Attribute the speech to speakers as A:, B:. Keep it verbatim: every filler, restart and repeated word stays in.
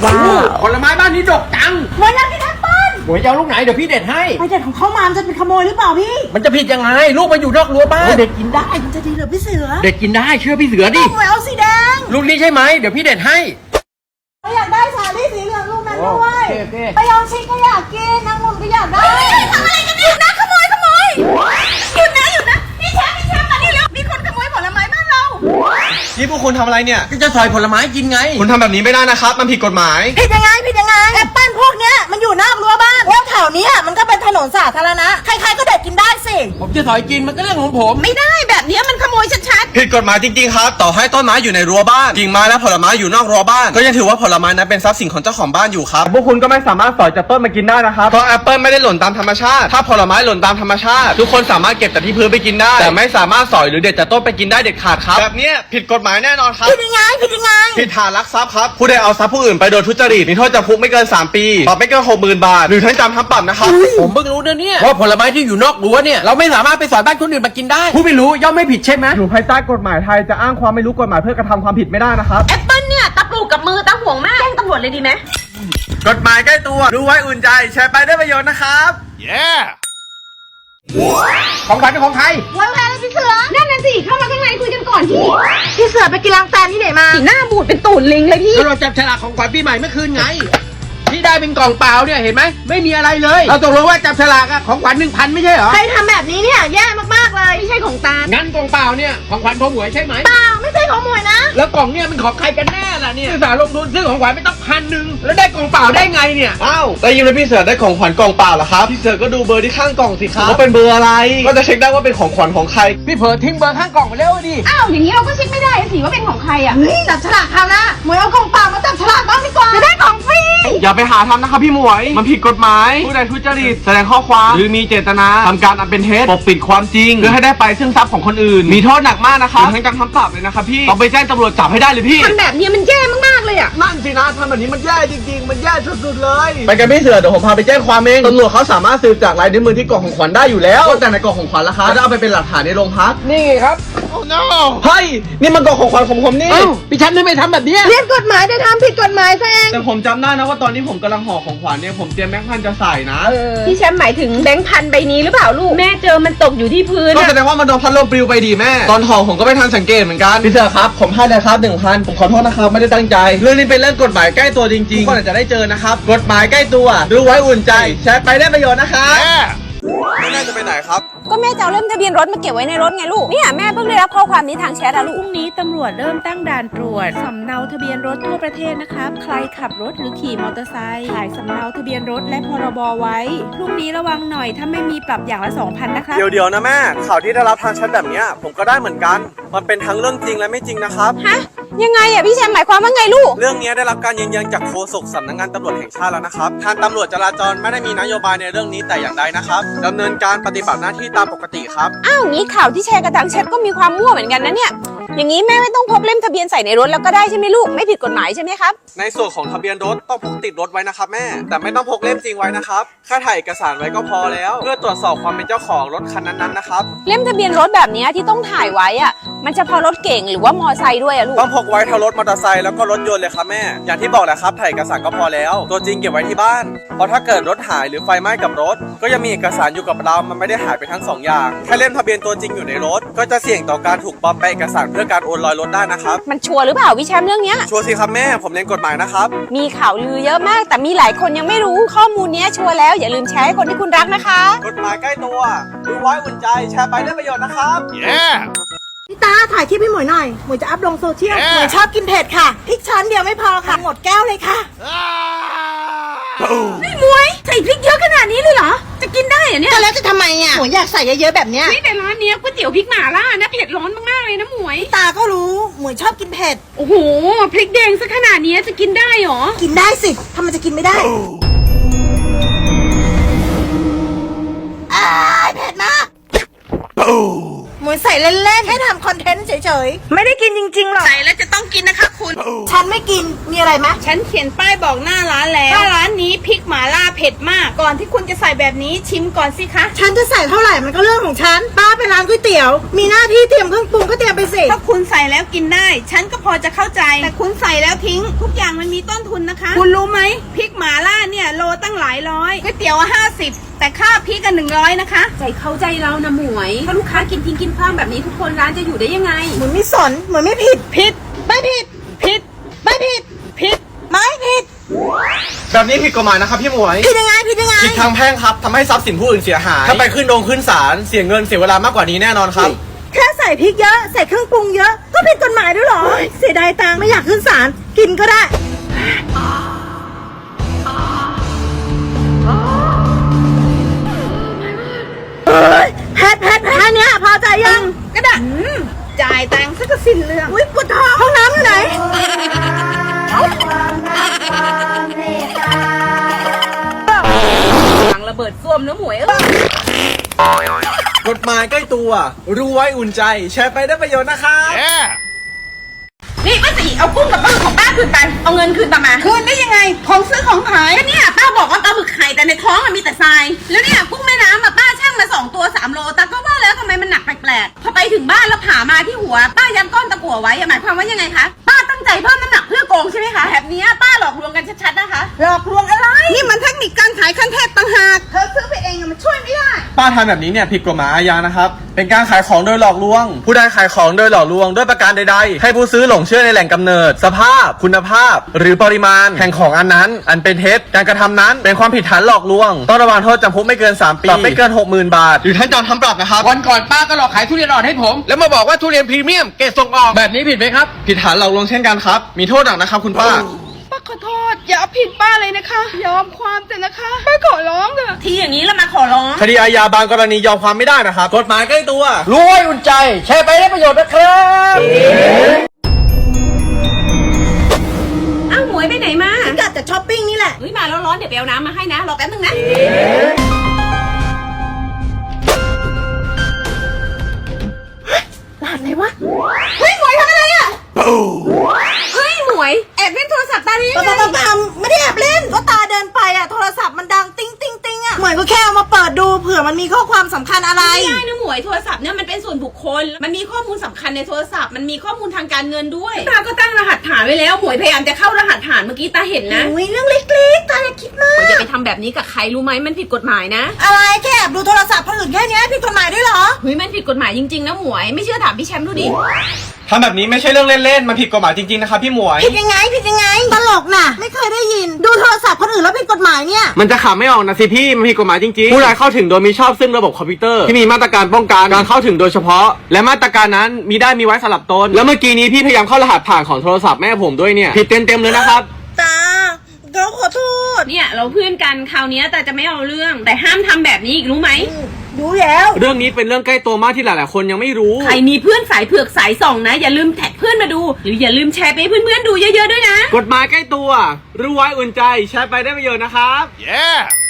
A: ว้าวผลไม้บ้านนี้ดกจัง
B: หมวยอยากกินแอปเปิ้ล
A: หมวยจะเอาลูกไหนเดี๋ยวพี่เด็ดให้
B: ไปเด็ดของเขามามันจะเป็นขโมยหรือเปล่าพี่
A: มันจะผิดยังไงลูกมันอยู่นอกรั้วบ้านเด็ดกินได้
B: มันจะดีเหรอพี่เสือ
A: เด็ดกินได้เชื่อพี่เสือดิ
B: หมวยเอาสีแดง
A: ลูกนี้ใช่ไหมเดี๋ยวพี่เด็ดให้
B: อยากได้สาลี่สีเหลืองลูกนั้นด้วยไปยองชิคก็อยากกินนางมุมก็อยากได้ทำอะไรกันเนี่ยนะขโมยขโมยหยุดนะหยุดนะพี่แชมป์พี่แชมป์มานี่แล้วมีคนขโมยผลไม้บ้านเรา
C: นี่พวกคุณทำอะไรเนี่ย
A: ก็จะซอยผลไม้กินไง
C: คุณทำแบบนี้ไม่ได้นะครับมันผิดกฎหมาย
B: ผิดยังไงผิดยังไงแอปเปิ้ลพวกเนี้ยมันอยู่นอกรั้วบ้านแล้วแถวนี้มันก็เป็นถนนสาธารณะใครๆก็เด็ดกินได้สิ
A: ผมจะซอยกินมันก็เรื่องของผม
B: ไม่ได้แบบนี้มันขโมยชัด
C: ๆผิดกฎหมายจริงๆครับต่อให้ต้นไม้อยู่ในรั้วบ้านกิ่งไม้และผลไม้อยู่นอกรั้วบ้านก็ยังถือว่าผลไม้นั้นเป็นทรัพย์สินของเจ้าของบ้านอยู่ครับพวกคุณก็ไม่สามารถสอยจากต้นมากินได้นะครับเพราะแอปเปิ้ลไม่ได้หล่นตามธรรมชาติถ้าผลไม้หล่นตามธรรมชาติทุกคนสามารถเก็บจากที่พื้นไปกินได้แต่ไม่สามารถสอยหรือเด็ดจากต้นไปกินได้เด็ดขาดครับแบบนี้ผิดกฎหมายแน่นอนครับ
B: ผิดยังไงผิดยังไง
C: ผิดฐานลักทรัพย์ครับผู้ใดเอาทรัพย์ผู้อื่นไปโดยทุจริตมีโทษจำคุกไม่เกินสามปีปรับไม่เกินหกหมื่นบาทหรือทั้งจำทั้งปรับนะครับ
A: ผมเพิ่งรู้นะเนี่ยว่าผลไม้ที่อยู่นอกรั้วเนี่ยเราไม่สามารถไปสอยบ้านคนอื่นมากินได้ผู้ไม่รู้ย่อมไม่ผิดใช่ไหม
C: อยู่ภายใต้กฎหมายไทยจะอ้างความไม่รู้กฎหมายเพื่อกระทำความผิดไม่ได้นะครับ
B: แอปเปิ้ลเนี่ยตะปลูกกับมือตะห่วงมากแจ้งตำรวจเลยดีไหม
C: กฎหมายใกล้ตัวรู้ไว้อุ่นใจแชร์ไปได้ประโยชน์นะครับ yeah
A: ของขวัญเป็นของใคร
B: วันแพ้เลยพี่เสือนั่นน่ะสิเข้ามาข้างในคุยกันก่อนที่พี่เสือไปกินล้างแตนที่ไหนมาหน้าบูดเป็นตูดลิงเลยพี่
A: เราจับฉลากของขวัญปีใหม่เมื่อคืนไงที่ได้เป็นกล่องเปล่าเนี่ยเห็นไหมไม่มีอะไรเลยเราตกลงว่าจับฉลากอะของขวัญหนึ่งพันไม่ใช่เหรอ
B: ใครทำแบบนี้เนี่ยแย่มากๆเลยไม่ใช่ของตา
A: งั้นกล่องเปล่าเนี่ยของขวัญพ่อหมวยใช่ไหม
B: เปล่าไม่ใช่ของหมวยนะ
A: แล้วกล่องเนี่ยมันของใครกันแน่ล่ะเนี่ยซื้อสารลงทุนซื้อของขวัญไม่ต้องพันหนึ่งแล้วได้กล่องเปล่าได้ไงเนี่ย
C: อ้าวได้ยินเลยพี่เสือได้ของขวัญกล่องเปล่าเหรอครับพี่เสือก็ดูเบอร์ที่ข้างกล่องสิครับว่าเป็นเบอร์อะไรก็จะเช็คได้ว่าเป็นของขวัญของใคร
A: พี่เผลอทิ้งเบอร์ข้างกล่องไปแล้วดิ
B: อ้าวอย่างนี้เราก็เช็คไม่ได้สิว่าเป็นของใครอ่ะจับฉลากเขานะหมวยเอากล่องเปล่ามาจับฉลากบ้างดีกว่าจะได้ของฟรี
C: อย่าไปหาทำนะครับพี่หมวยมันผิดกฎหมายผู้ใดทุจริตแสดงข้อความหรือมีเจตนาทำการอันเป็นเท็จปกปิดความจริงเพื่อให้ได้ไปซึ่งทรัพย์ของคนอื่นมีโทษหนักมากนะครับทั้งการทำปรับเลยนะครับพี่ต้องไปแจ้งตำรวจจับให้ได้เลยพี่
B: ทำแบบนี้มันแย่มากๆเลยอ่ะ
C: นั่นสินะทำแบบนี้มันแย่จริงๆมันแย่สุดๆเลยไปกันพี่เสือเดี๋ยวผมพาไปแจ้งความเองตำรวจเขาสามารถสืบจากลายนิ้วมือที่กล่องของขวัญได้อยู่แล้วแต่ในกล่องของขวัญล่ะครับจะเอาไปเป็นหลักฐานในโรงพัก
A: นี่ครับ
C: โอ้ no เฮ้ยนี่มันกล่องของขวัญของผมนี่
A: พี่ฉันไม่ทำแบบนี้
B: เรียนกฎหมายได้ทำผิดกฎหมายซะเอง
C: แต่ผมจำได้นะว่าตอนนี้ผมกำลังห่อของขวัญเนี่ยผมเตรียมแบงค์พันจะใส่นะ
B: พี่แชมป์หมายถึงแบงค์พันใบนี้หรือเปล่าลูกแม่เจอมันตกอยู่ที่พื้น
C: ก็แสดงว่ามันโดนพัดลมปลิวไปดีแม่ตอนห่อผมก็ไม่ทันสังเกตเหมือนกันพี่เสือครับผมให้เลยครับหนึ่งพันผมขอโทษนะครับไม่ได้ตั้งใจเรื่องนี้เป็นเรื่องกฎหมายใกล้ตัวจริงๆก็อาจจะได้เจอนะครับกฎหมายใกล้ตัวรู้ไว้อุ่นใจแชร์ไปได้ประโยชน์นะครับแม่จะไปไหนครับ
B: ก็แม่จะเอาเล่มทะเบียนรถมาเก็บไว้ในรถไงลูกเนี่ยแม่เพิ่งได้รับข้อความนี้ทางแชทอะลูก
D: พรุ่งนี้ตำรวจเริ่มตั้งด่านตรวจสำเนาทะเบียนรถทั่วประเทศนะครับใครขับรถหรือขี่มอเตอร์ไซค์ถ่ายสำเนาทะเบียนรถและพรบไว้พรุ่งนี้ระวังหน่อยถ้าไม่มีปรับอย่างละ สองพัน นะครับ
C: เดี๋ยวๆนะแม่ข่าวที่ได้รับทางแชทแบบนี้ผมก็ได้เหมือนกันมันเป็นทั้งเรื่องจริงและไม่จริงนะครับ
B: ฮะยังไงอ่ะพี่แชมป์หมายความว่าไงลูก
C: เรื่องนี้ได้รับการยืนยันจากโฆษกสำนักงานตำรวจแห่งชาติแล้วนะครับทางตำรวจจราจรไม่ได้มีนโยบายในเรื่องนี้แต่อย่างใดนะครับดำเนินการปฏิบัติหน้าที่ตามปกติครับ
B: อ้าวงี้ข่าวที่แชร์กันทางแชทก็มีความมั่วเหมือนกันนะเนี่ยอย่างนี้แม่ไม่ต้องพกเล่มทะเบียนใส่ในรถแล้วก็ได้ใช่ไหมลูกไม่ผิดกฎหมายใช่ไหมครับ
C: ในส่วนของทะเบียนรถต้องพกติดรถไว้นะครับแม่แต่ไม่ต้องพกเล่มจริงไว้นะครับแค่ถ่ายเอกสารไว้ก็พอแล้วเพื่อตรวจสอบความเป็นเจ้าของรถคันนั้นๆนะครับ
B: เล่มทะเบียนรถแบบนี้ที่ต้องถ่ายไว้อ่ะมันเฉพาะรถเก่งหรือว่ามอไซค์ด้วยอะลูก
C: ต้องพกไว้ทั้งรถมอเตอร์ไซค์แล้วก็รถยนต์เลยครับแม่อย่างที่บอกแหละครับถ่ายเอกสารก็พอแล้วตัวจริงเก็บไว้ที่บ้านเพราะถ้าเกิดรถหายหรือไฟไหม้กับรถก็ยังมีเอกสารอยู่กับเรามันไม่ได้หายไปทั้งสองอย่างแค่เล่มทะเบียนตัวจริงอยู่ในรถก็จะเสี่ยงต่อการถูกปลอมแปลงเอกสารเพื่อการโอนลอยรถได้นะครับ
B: มันชัวร์หรือเปล่าวิแชมป์เรื่องนี้
C: ชัวร์สิครับแม่ผมเรียนกฎหมายนะครับ
B: มีข่าวลือเยอะมากแต่มีหลายคนยังไม่รู้ข้อมูลนี้ชัวร์แล้วอย่าลืมแชร์ให้คนที่คุณรักนะคะ
C: กฎหมายใกล้ตัวรู้ไว้อุ่นใจแชร์ไปได้ประโยชน์นะครับ yeah
B: พี่ตาถ่ายคลิปให้หมวยหน่อยหมวยจะอัพลงโซเชียลหมวยชอบกินเผ็ดค่ะพริกช้อนเดียวไม่พอค่ะหมดแก้วเลยค่ะนี่หมวยใส่พริกเยอะขนาดนี้เลยเหรอจะกินได้เหรอเนี่ยแล้วจะทำไมอ่ะหมวยอยากใส่เยอะๆแบบเนี้ย
D: นี่แต่ร้านเนี้ยก๋วยเตี๋ยวพริกหม่าล่านะเผ็ดร้อนมากๆเลยนะหมวย
B: ตาก็รู้หมวยชอบกินเผ็ด
D: โอ้โหพริกแดงซะขนาดนี้จะกินได้หรอ
B: กินได้สิทำไมจะกินไม่ได้อ้าเผ็ดมากหมวยยใส่เล่นๆแค่ทำคอนเทนต์เฉยๆไม่ได้กินจริงๆหรอก
D: ใส่แล้วจะต้องกินนะคะคุณ
B: ฉันไม่กินมีอะไรไหม
D: ฉันเขียนป้ายบอกหน้าร้านแล้วว่าร้านนี้พริกหม่าล่าเผ็ดมาก ก่อนที่คุณจะใส่แบบนี้ชิมก่อนสิคะ
B: ฉันจะใส่เท่าไหร่มันก็เรื่องของฉันป้าไปร้านก๋วยเตี๋ยวมีหน้าที่เตรียมเครื่องปรุงก็เตรียมไปสิ
D: ถ้าคุณใส่แล้วกินได้ ฉันก็พอจะเข้าใจ แต่คุณใส่แล้วทิ้ง ทุกอย่างมันมีต้นทุนนะคะ คุณรู้ไหมพริกหม่าล่าเนี่ยโลตั้งหลายร้อยก๋วยเตี๋ยวห้าสิบแต่ค่าพริกกันหนึ่งร้อยนะคะ ใจเข้าใจเรานะหมวยถ้าลูกค้ากินทิ้งกินคว้างแบบนี้ทุกคนร้านจะอยู่ได้ยังไง
B: เหมือนไม่สนเหมือนไม่ผิด
D: ผิด
B: ไม่ผิด
D: ผิด
B: ไม่ผิด
D: ผิด
B: ไม่ผิด
C: แบบนี้ผิดกฎหมายนะครับพี่หมวย
B: ผิดยังไงผิดยังไง
C: ผิดทางแพ่งครับทำให้ทรัพย์สินผู้อื่นเสียหาย ถ้าไปขึ้นโรงขึ้นศาลเสียเงินเสียเวลามากกว่านี้แน่นอนครับ
B: แค่ใส่พริกเยอะใส่เครื่องปรุงเยอะก็ผิดกฎหมายด้วยเหรอเสียดายตังค์ไม่อยากขึ้นศาลกินก็ได้เฮ้ยแพทแพทแพทเนี้ยพอใจยัง
D: ก็ได้จ่ายตังค์ซะก็สิ้นเรื่อง
B: อุ้ยปวดท้องห้องน้ำอยู่ไหน
D: หลังระเบิดส้วมนะหมวยเอ้ย
C: กฎหมายใกล้ตัว รู้ไว้อุ่นใจ แชร์ไปได้ประโยชน์นะครับ
D: นี่ป้าสีเอากุ้งกับปลาหมึกของป้าคืนไป เอาเงินคืนมามาคืนได้ยังไง ของซื้อของขายก็เนี่ยป้าบอกว่าปลาหมึกไข่แต่ในท้องมันมีแต่ทราย แล้วเนี่ยกุ้งแม่น้ำอะป้าช่างมาสองตัวสามโลแต่ก็ว่าแล้วทำไมมันหนักแปลกๆพอไปถึงบ้านแล้วผ่ามาที่หัว ป้ายันก้อนตะกั่วไว้อะหมายความว่ายังไงคะ ป้าตั้งใจเพิ่มน้ำหนักเพื่อโกงใช่ไหมคะแบบเนี้ยป้าหลอกลวงกันชัดๆนะคะ
B: หลอกลวงอะไร
D: นี่มันเทคนิคการขายขั้นเทพต่างหากเธอซื้อไปเองอะมันช่วยไม่ได้
C: ป้าทำแบบนี้เนี่ยผิดกฎหมายอาญานะครับ เป็นการขายของโดยหลอกลวง ผู้ใดขายของโดยหลอกลวงด้วยประการใดๆ ให้ผู้ซื้อหลงเชื่อในแหล่งกำเนิด สภาพ คุณภาพ หรือปริมาณแห่งของอันนั้น อันเป็นเท็จ การกระทำนั้นเป็นความผิดฐานหลอกลวง ต้องระวังโทษจำคุกไม่เกินสามปี ปรับไม่เกิน หกหมื่น บาท หรือทั้งจำทั้งปรับนะครับ
A: วันก่อนป้าก็หลอกขายทุเรียนอ่อนให้ผม แล้วมาบอกว่าทุเรียนพรีเมียมเกรดส่งออกแบบนี้ผิดไหมครับ
C: ผิดฐานหลอกลวงเช่นกันครับ มีโทษหนักนะครับคุณป้า
D: ป้าขอโทษอย่าเอาผิดป้าเลยนะคะ ยอมความแต่นะคะป้าขอร้องเถอะที่อย่างนี้แล้วมาขอร้อง
C: คดีอาญาบางกรณียอมความไม่ได้นะครับ กฎหมายใกล้ตัว
A: รู้ไว้อุ่นใจ แชร์ไปได้ประโยชน์นะครับ
D: อ้าวหมวยไปไหนมา
B: กัดแต่ช้อปปิ้งนี่แหละ
D: เฮ้ยมาแล้วร้อนเดี๋ยวไปเอาน้ำมาให้นะรอแป๊บนึงนะร้านไหนวะเฮ้ยหมวยทำอะไรอ่ะเฮ้ยหมวยแอบเล่นโทรศัพท์ตาดี
B: ปะปะปะปะไม่ได้แอบเล่นก็ตาเดินไปอ่ะโทรศัพท์มันดังติ้งติ้งติ้งอ่ะเหมือนก็แค่เอามาเปิดดูเผื่อมันมีข้อความสำคัญอะไร
D: ไม่ได้นะหมวยโทรศัพท์เนี่ยมันเป็นส่วนบุคคล มันมีข้อมูลสำคัญในโทรศัพท์มันมีข้อมูลทางการเงินด้วยตาก็ตั้งรหัสผ่านไว้แล้วหมวยพยายามจะเข้ารหัสผ่านเมื่อกี้ตาเห็นนะ
B: อุ้ยเรื่องเล็กๆตาอย่าคิดมาก
D: หมวยอย่าไปทำแบบนี้กับใครรู้ไหมมันผิดกฎหมายนะ
B: อะไรแค่แอบดูโทรศัพท์คนอื่นแค่เนี้ยผิดกฎหมายด้วยเหรอ
D: เฮ้ยมันผิดกฎหมายจริงๆนะหมวยไม่เชื่อถามพี่แชมป์ดูดิ
C: ทำแบบนี้ไม่ใช่เรื่องเล่นๆ มันผิดกฎหมายจริงๆ นะครับพี่หมวย
B: ผิดยังไงผิดยังไงตลกน่ะ ไม่เคยได้ยิน ดูโทรศัพท์คนอื่นแล้วผิดกฎหมายเนี่ย
C: มันจะขำไม่ออกนะสิพี่ มันผิดกฎหมายจริงๆ ผู้ใดเข้าถึงโดยมีชอบซึ่งระบบคอมพิวเตอร์ที่มีมาตรการป้องกันการเข้าถึงโดยเฉพาะ และมาตรการนั้นมีได้มีไว้สำหรับตน แล้วเมื่อกี้นี้พี่พยายามเข้ารหัสผ่านของโทรศัพท์แม่ผมด้วยเนี่ย ผิดเต็มๆเลยนะครับ
B: ตาเราขอโทษ
D: เนี่ยเราเพื่อนกันคราวนี้แต่จะไม่เอาเรื่อง แต่ห้ามทำแบบนี้อีกรู้ไหม
B: รู้แล้ว
C: เรื่องนี้เป็นเรื่องใกล้ตัวมากที่หลายๆ คนยังไม่รู้
D: ใครมีเพื่อนสายเผือกสายส่องนะ อย่าลืมแท็กเพื่อนมาดู หรืออย่าลืมแชร์ไปให้เพื่อนๆดูเยอะๆด้วยนะ
C: กฎหมายใกล้ตัว รู้ไว้อุ่นใจ แชร์ไปได้ประโยชน์นะครับ
E: Yeah!